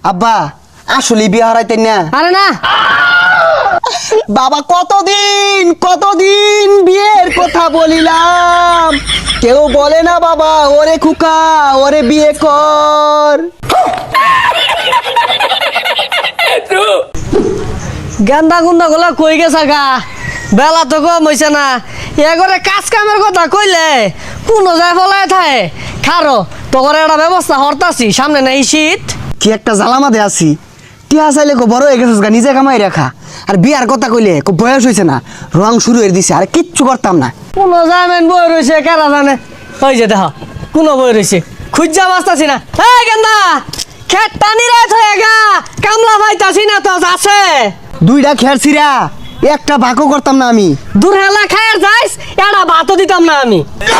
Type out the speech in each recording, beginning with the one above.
আব্বা আসলে বিয়ে হারাইতেন না? আরে না, বাবা কতদিন বিয়ের কথা বলিলাম, কেউ বলে না বাবা ওরে খুকা ওরে বিয়ে কর। গান্দা গুন্দা গুলা কই গেছা গা, বেলা তো কম হইছে না। এগরে কাজ কামের কথা কইলে কোন যায় ফলায় থাকে। খারো তোর একটা ব্যবস্থা হরতাছি, সামনে নাই শীত। কি একটা জ্বালামাতে আছি, টিয়া চাইলে কো বড় হয়ে গেছিস গা, নিজে কামাই রাখা। আর বিয়ার কথা কইলে কো বয়স হয়েছে না, রং শুরু হয়ে দিছে, আর কিচ্ছু করতাম না। কোন জামেন বই রয়েছে কারা জানে। ওই যে দেখ কোন বই রয়েছে, খুঁজা বাঁচতাছি না। এই গেন্দা খেত টানি রাত হয়ে গা, কামলা পাইতাছি না তো আছে। দুইটা খের ছিড়া একটা ভাগও করতাম না আমি। দূর হেলা খায়ার যাইস, এটা ভাতও দিতাম না আমি।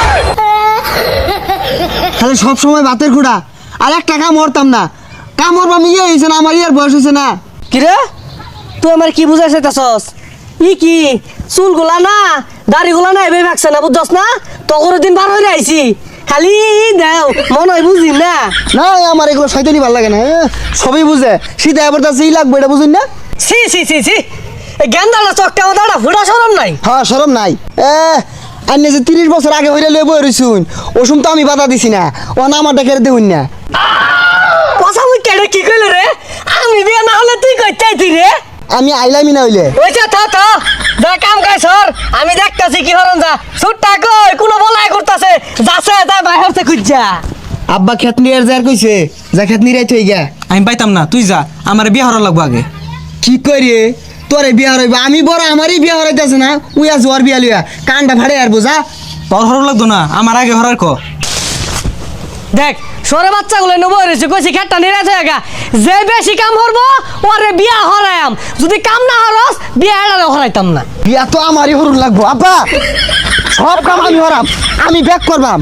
তাহলে সব সময় ভাতের খুঁড়া, আর একটা কাম করতাম না। কাম করবো আমি, ইয়ে হয়েছে না আমার, ইয়ার বয়স হয়েছে না। কিরে তুই আমার কি বুঝাই চাইতাছস? কি চুলগুলা না দাড়িগুলা না এভাবে ভাগছে না, বুঝছস না? তখন দিন বার হয়ে আইছি, খালি দেও মনে হয় বুঝি না। না আমার এগুলো শয়তানি ভাল লাগে না, সবই বুঝে শীত এবার তাই লাগবে, এটা বুঝুন না। ছি ছি ছি ছি, এই গেন্দাটা চকটা আমার ফুটা সরম নাই। হ্যাঁ সরম নাই। আন্নে যে 30 বছর আগে হইলে লয়ে বই রইছুন, ওসুম তো আমি বাধা দিছি না, ও না আমার ডেকে দেউন না। কথা মুই কেডে কি কইল রে? আমি বিয়া না হলে তুই কই চাইতি রে? আমি আইলামি না হইলে। ওইটা থা যা কাম কাজ সর, আমি দেখতাছি কি হরন যা। সুটটা কই কোন বলাই করতাছে, যাচ্ছে তাই বাইরে খুঁজা। আব্বা খেত নিয়ে যার কইছে, যা খেত নিয়ে রাইতে গিয়া। আমি পাইতাম না, তুই যা, আমার বিয়ে হওয়ার লাগবো আগে। কি করি তোরে বিয়া হরাইবা? আমি বড়, আমারই বিয়া হরাইতেছে না। উইয়া জোয়ার বিয়া লইয়া কানটা ভাড়ে আর বোঝা। তোর হওয়ার লাগতো না, আমার আগে হরার ক। দেখ সরে বাচ্চাগুলো নেবো রয়েছে, কইছি খেটটা নিরাজ হয়ে গা। যে বেশি কাম করবো ওরে বিয়া হরায়াম, যদি কাম না হরস বিয়া এড়ালে হরাইতাম না। বিয়া তো আমারই হরুন লাগবো আব্বা, সব কাম আমি হরাম, আমি ব্যাক করবাম।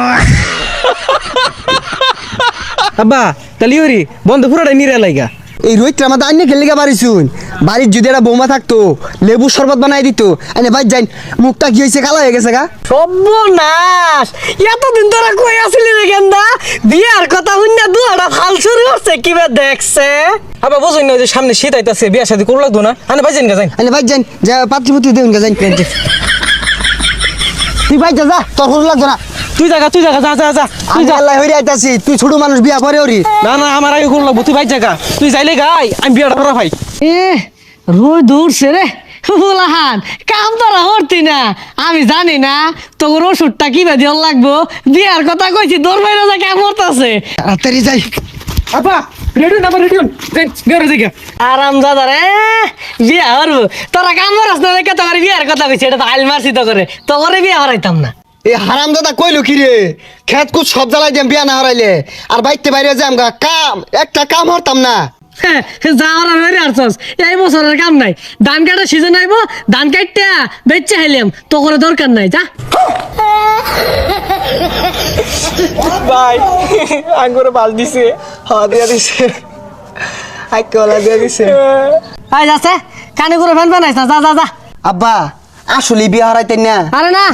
আব্বা তাহলে ওরি বন্ধ পুরোটাই নিরে লাইগা। এই রোহিতটা আমাদের আইনে খেলে গা বাড়ি শুন, বাড়ির যদি একটা বৌমা থাকতো লেবু শরবত বানাই দিত। আইনে বাইর যাই, মুখটা কি হয়েছে, কালো হয়ে গেছে গা। সর্বনাশ, এতদিন তোরা কই আসলি রে গেন্দা? বিয়ার কথা শুননা দুয়াটা ফাল শুরু করছে, কিবা দেখছে। আব্বা বুঝুন না যে সামনে শীত আইতাছে, বিয়া শাদী করু লাগতো না, আনে বাইজেন গা যাই। আইনে বাইর যাই, যা পাত্রপুত্রী দেউন গা যাই। তুই বাইর যা, যা তোর হরুন লাগতো না। তুই জায়গা যা যা যা তুই আমি যা। আল্লাহ হইরে আইতাছি, তুই ছোট মানুষ বিয়া পরে ওরি। না না আমার আগে করু লাগবো, তুই বাইর জায়গা, তুই যাইলে গাই আমি বিয়াটা করা ভাই। এ রোজ দৌড়ছে রে বুলাহান, কাম তোরা হরতি না। আমি জানি না তোর ওষুধটা কিবা দিয়ে লাগবো। বিয়ার কথা কইছি, দৌড় বাইরে যা কাম করতেছে। তাড়াতাড়ি যাই। আব্বা রেডি না, আমার রেডি হন, যাই বিয়ারে যাই গা। আরাম দাদা রে, বিয়া হরবো তোরা কাম করস না দেখে তোমার বিয়ার কথা কইছি। এটা তো আইল মারছি তো করে, তো করে বিয়া হরাইতাম না। এ হারাম দাদা কইলো কি রে, খেত কুত সব জ্বালাই দিম বিয়া না হারাইলে, আর বাইতে বাইরে যাম গা, কাম একটা কাম হরতাম না। হ্যাঁ, যাওয়ার বেড়ে আসছস, এই বছরের কাম নাই। ধান কাটার সিজন আইব, ধান কাটতে বেচে হেলিয়াম, তো করে দরকার নাই। যা ভাই আঙ্গুরে বাল দিছে, হ্যাঁ দিয়া দিছে, আইকলা দিয়া দিছে। আই যাচ্ছে কানে করে ফ্যান বানাইছ না, যা যা যা। আব্বা আসলে বিয়া হারাইতেন না? আরে না,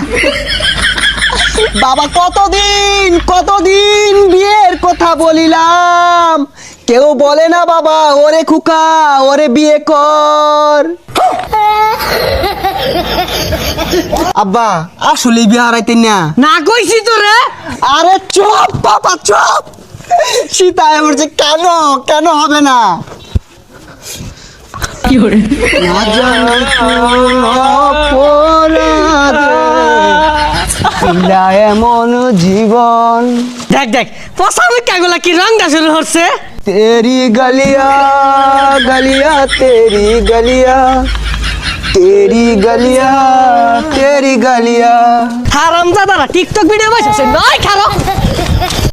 বাবা কতদিন বিয়ের কথা বলিলাম, কেউ বলে না বাবা ওরে খুকা ওরে বিয়ে কর। আব্বা আসলে বিয়ে হারাইতেন না? না কইছি তো রে। আরে চুপ বাবা চুপ, সীতা বলছে কেন হবে না? কি করে না জানি কোন অপরাধে ছিলা এমন জীবন। দেখ পচা মুখাগুলা কি রংটা শুরু হচ্ছে। তেরি গলিয়া গলিয়া তেরি গলিয়া, তেরি গলিয়া তেরি গলিয়া। হারাম দাদারা টিকটক ভিডিও বানাইছে নয় খারো।